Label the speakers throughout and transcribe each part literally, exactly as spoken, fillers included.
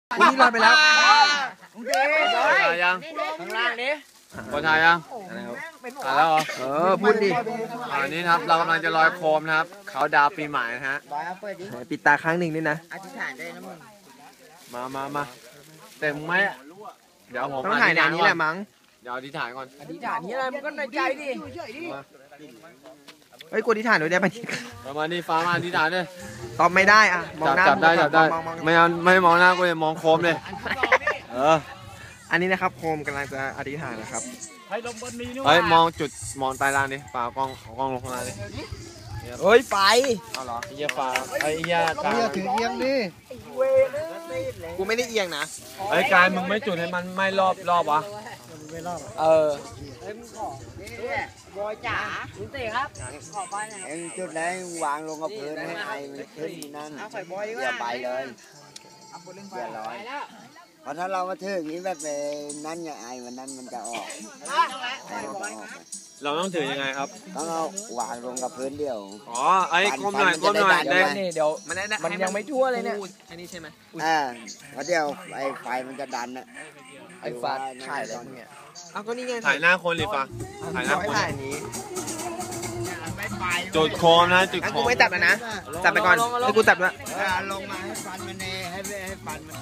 Speaker 1: คุณนี่ลอยไปแล้ว
Speaker 2: โอเคยังข้างล่างนี้กดถ่ายยังถ่ายแล้วเหรอ
Speaker 1: เออพูดดิ
Speaker 2: อันนี้ครับเรากำลังจะลอยโคมนะครับเขาดาวปีใหม่นะฮะ
Speaker 1: ปิดตาครั้งหนึ่งนี่นะ
Speaker 3: อธิษฐานได้นะมึง
Speaker 2: มามามาแต่มึงไม่เดี๋ยวผม
Speaker 1: ต้องถ่ายในนี้แหละมั้ง
Speaker 2: เดี๋ยวอธิษฐานก่อน
Speaker 3: อธิษฐานนี่อะไรมันก็ในใจดิ
Speaker 1: เฮ้ยกูอธิษฐานด้วยได้ไหม
Speaker 2: ประมาณนี้ฟ้ามาอธิษฐานเลย
Speaker 1: ตอบไม่ได้อ่ะ
Speaker 2: มองหน้าจับได้จับได้ไม่เอาไม่มองหน้ากูเลยมองโคมเลยเออ
Speaker 1: อันนี้นะครับโคมกำลังจะอธิษฐานนะครับ
Speaker 2: เฮ้ยมองจุดมองใต้ล่างดิป่ากล้องกล้องลงข้างล่างดิ
Speaker 1: เฮ้ยไฟ
Speaker 2: เอาเหรอไอ้เหี้ยฟ้าไอ้เหี้ยกาย
Speaker 1: ถือเอียงดิกูไม่ได้เอียงนะ
Speaker 2: ไอ้กายมึงไม่จุดให้มันไม่รอบรอบวะ
Speaker 1: เออ
Speaker 3: บอยจ๋าคุณเต๋ครับขอไปหน่อย
Speaker 4: เอ็งจุดไหนวางลงกับพื้นให้ไอมันขึ้นนั่นอย่าไปเลยอย่าลอยเพราะถ้าเรามาถืออย่างนี้แบบนั้นอย่างไอมันนั้นมันจะออกไอมันจะออก
Speaker 2: เราต้องถือยังไงครับ
Speaker 4: ต้องเอาวางลงกับพื้นเดียว
Speaker 2: อ๋อไอ้ก้มหน่อยก้มหน่อยเด็ก
Speaker 1: นี่เดี๋ยวมันมันยังไม่ทั่วเลยเนี่ยอันนี้ใช่ไหม
Speaker 4: อ่าเพราะเดียวไอไฟมันจะดันอะ
Speaker 1: ไอฟ้าถ่ายอะไรเนี่ยเอาก็นี่ไง
Speaker 2: ถ่ายหน้าคนหรือฟ้าถ่ายหน้าคน
Speaker 1: ถ่ายนี้
Speaker 2: จุดโคมนะจุดโคม
Speaker 1: กูไม่จับนะจับไปก่อนให้กูจับด้วย
Speaker 4: ลงมาให้ฟันมันเนให้ให้ฟันมัน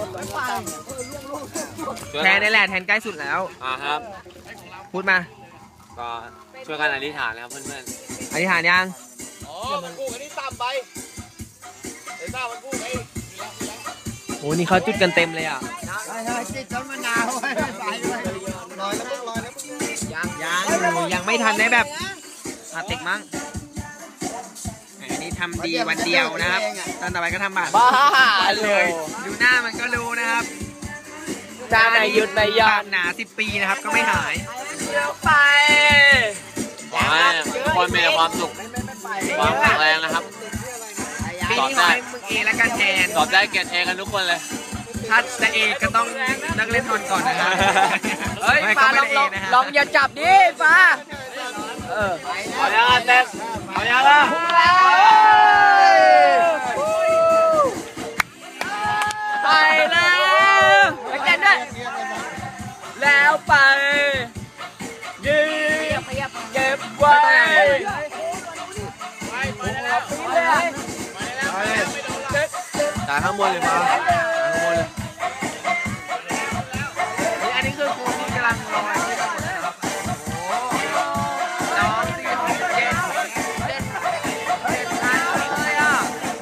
Speaker 1: แทนนี่แหละแทนใกล้สุดแล้ว
Speaker 2: อ่าครับ
Speaker 1: พูดมา
Speaker 2: ก็ช่วยกันอธิษฐานนะครับเพื่อน
Speaker 1: ๆอธิษฐานยัง
Speaker 2: อ๋อมันกู้อันนี้ต่ำไปไอ้ต้ามันกู้ไอ้
Speaker 1: โอ้นี่เขาจุดกันเต็มเลยอ่ะ
Speaker 4: ใช่ใช่จิตต้นมะนาวไว้ไปเลยลอยแล้วลอยแล้ว
Speaker 1: ยังยังยังไม่ทันได้แบบอาติกมั้งอันนี้ทำดีวันเดียวนะครับตอนต่อไปก็ทำบาป
Speaker 3: บ้าเลย
Speaker 1: ดูหน้ามันก็รู้นะครับ
Speaker 3: จานไหนหยุดไหนยอด
Speaker 1: หนาสิบปีนะครับก็ไม่หาย
Speaker 3: เยอะไป
Speaker 2: ขอให้คนมีความสุขความแข็งแรงนะครับ
Speaker 1: ปีนี้ขอให้มึงเอและกันแทน
Speaker 2: ตอบได้เกรดเอกันทุกคนเลย
Speaker 1: ถ้าจะเอก็ต้องนักเล่นทอนก่อนนะครับ
Speaker 3: เฮ้ยฟ้าลองลองลองอย่าจับดิฟ้า
Speaker 2: เออเอาอย่างนั้นเต็มเอาอย่างนั้น
Speaker 3: ไปแล้วไปเต้นด้วยแล้วไปยืมเก็บไว้
Speaker 2: จ่ายข้างบนเลยมาจ่ายข้างบนเลย
Speaker 1: อันนี้คือคูที่กำลังลอยที่เราครับโอ้ร้องสี่หกเจ็ดเจ็ดเจ็ดพันเลยอ่ะ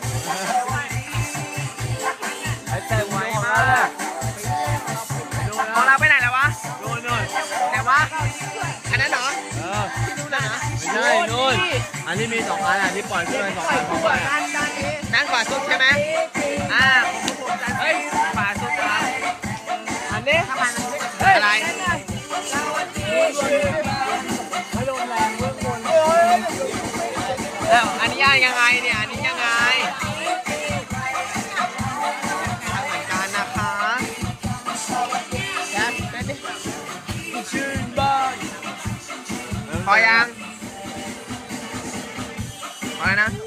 Speaker 1: แต่ไวมากของเราไปไหนแล้ววะ
Speaker 2: นู่นนู่น
Speaker 1: ไหนวะอันนั้นเหรอ
Speaker 2: เออ
Speaker 1: ที่นู่นนะ
Speaker 2: ไม่ใช่นู่นอันนี้มีสองอันอันนี้ปล่อยขึ้นไปสองอันของมัน
Speaker 1: นั่นขวาสุดใช่ไหมอ่าเฮ้ยขวาสุดครับอันนี้อะไรแล้วอันนี้ยังไงเนี่ยอันนี้ยังไงเหมือนกันนะคะชื่นบ้านพอยังพอแล้วนะ